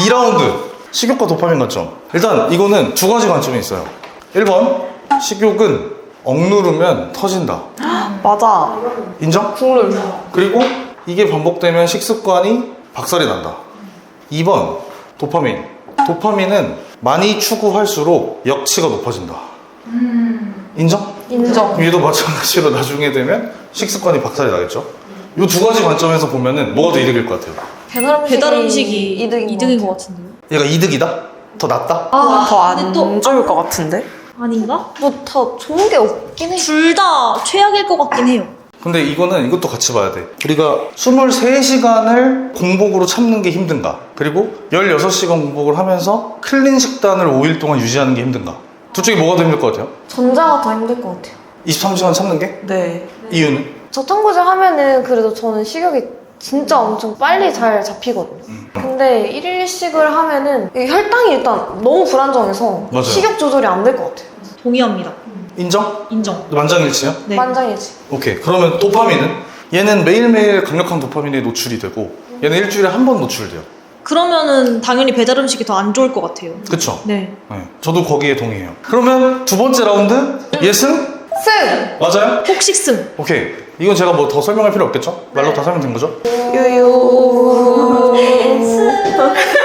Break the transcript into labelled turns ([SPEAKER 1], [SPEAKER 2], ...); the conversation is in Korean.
[SPEAKER 1] 2라운드 식욕과 도파민 관점. 일단 이거는 두 가지 관점이 있어요. 1번 식욕은 억누르면 터진다.
[SPEAKER 2] 맞아.
[SPEAKER 1] 인정?
[SPEAKER 2] 국룰.
[SPEAKER 1] 그리고 이게 반복되면 식습관이 박살이 난다. 2번 도파민. 도파민은 많이 추구할수록 역치가 높아진다. 인정?
[SPEAKER 2] 인정.
[SPEAKER 1] 얘도 마찬가지로 나중에 되면 식습관이 박살이 나겠죠? 이 두 가지 관점에서 보면은 뭐가 더 이득일 것 같아요?
[SPEAKER 3] 배달 음식이 이득인 것
[SPEAKER 2] 같아.
[SPEAKER 3] 같은데요?
[SPEAKER 1] 얘가 이득이다? 더 낫다?
[SPEAKER 2] 더 안
[SPEAKER 3] 근데 또-
[SPEAKER 2] 좋을 것 같은데?
[SPEAKER 3] 아닌가?
[SPEAKER 4] 뭐 더 좋은 게 없긴 해.
[SPEAKER 3] 둘 다 최악일 것 같긴 해요.
[SPEAKER 1] 근데 이것도 같이 봐야 돼. 우리가 23시간을 공복으로 참는 게 힘든가? 그리고 16시간 공복을 하면서 클린 식단을 5일 동안 유지하는 게 힘든가? 둘 중에 뭐가 더 힘들 것 같아요?
[SPEAKER 4] 전자가 더 힘들 것 같아요.
[SPEAKER 1] 23시간 참는 게?
[SPEAKER 2] 네.
[SPEAKER 1] 이유는?
[SPEAKER 4] 저탄고지 하면은 그래도 저는 식욕이 진짜 엄청 빨리 잘 잡히거든요. 근데 1일 1식을 하면은 이 혈당이 일단 너무 불안정해서
[SPEAKER 1] 맞아요.
[SPEAKER 4] 식욕 조절이 안 될 것 같아요.
[SPEAKER 3] 동의합니다.
[SPEAKER 1] 인정?
[SPEAKER 3] 인정.
[SPEAKER 1] 만장일치요?
[SPEAKER 3] 네.
[SPEAKER 4] 만장일치.
[SPEAKER 1] 오케이. 그러면 도파민은? 얘는 매일매일 강력한 도파민에 노출이 되고 얘는 일주일에 한 번 노출돼요.
[SPEAKER 3] 그러면은 당연히 배달 음식이 더 안 좋을 것 같아요.
[SPEAKER 1] 그쵸?
[SPEAKER 3] 네.
[SPEAKER 1] 네. 저도 거기에 동의해요. 그러면 두 번째 라운드 예승?
[SPEAKER 4] 승!
[SPEAKER 1] 맞아요?
[SPEAKER 3] 폭식승.
[SPEAKER 1] 오케이. 이건 제가 뭐 더 설명할 필요 없겠죠? 말로 다 설명된 거죠?
[SPEAKER 4] 유유.